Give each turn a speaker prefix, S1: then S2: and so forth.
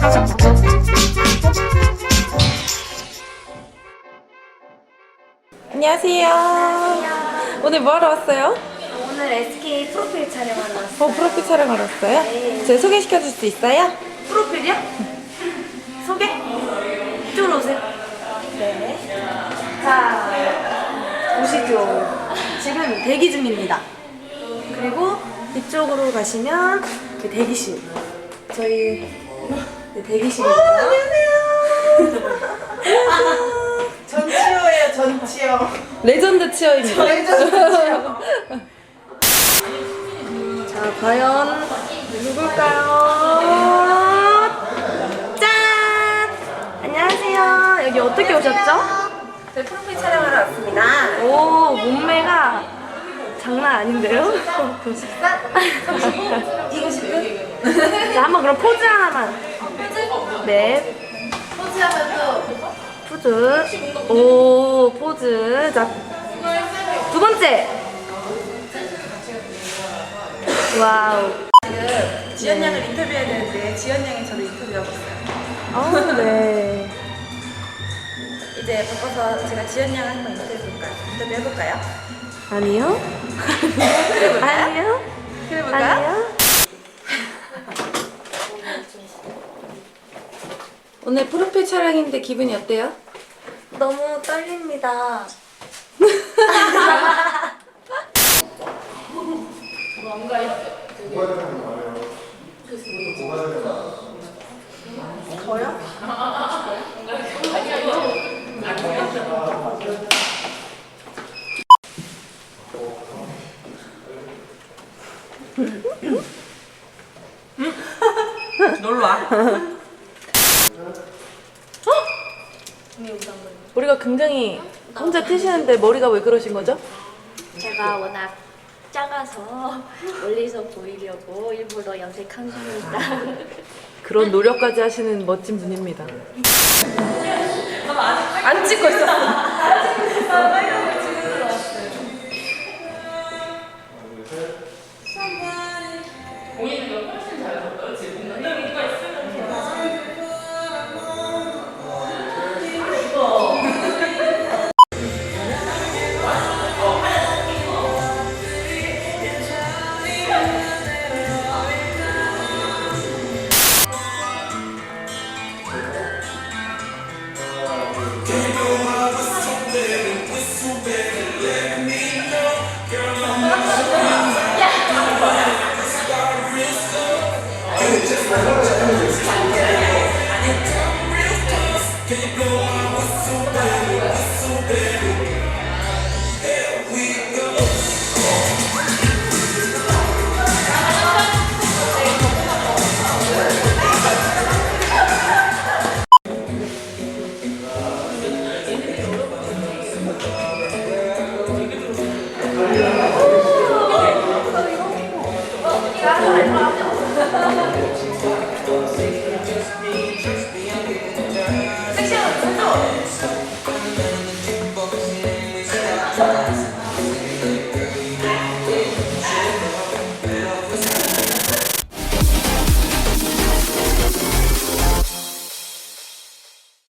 S1: 안녕하세요. 오늘 뭐 하러 왔어요?
S2: 오늘 SK 프로필 촬영하러 왔어요.
S1: 프로필 촬영하러 왔어요?
S2: 네.
S1: 제 소개시켜 줄 수 있어요?
S2: 프로필이요? 소개? 이쪽으로 오세요. 네. 자, 보시죠. 지금 대기 중입니다. 그리고 이쪽으로 가시면 대기실. 저희 대기실입니다.
S1: 안녕하세요.
S3: 전치어예요, 전치어.
S1: 레전드 치어입니다.
S2: 자, 과연 누굴까요? 짠! 안녕하세요. 여기 어떻게 오셨죠?
S1: 저희 프로필 촬영하러 왔습니다.
S2: 오, 몸매가 장난 아닌데요?
S1: 이거 지금?
S2: 자, 한번 그럼 포즈 하나만. 네.
S1: 포즈하면 또
S2: 포즈. 오, 포즈. 자, 두 번째. 와우.
S1: 지금 지연 양을 인터뷰해야 되는데 지연 양이 저를 인터뷰하고 있어요.
S2: 네.
S1: 이제 바꿔서 제가 지연 양을 한번 인터뷰해볼까요?
S2: 아니요? 아니요?
S1: 해볼까요?
S2: 아니요?
S1: 오늘 프로필 촬영인데 기분이 어때요?
S2: 너무 떨립니다. 저요?
S1: 놀러와.
S2: 머리가 굉장히 혼자 트시는데 머리가 왜 그러신 거죠?
S4: 제가 워낙 작아서 멀리서 보이려고 일부러 염색한 겁니다.
S2: 그런 노력까지 하시는 멋진 분입니다.
S1: 안 찍고 있었어.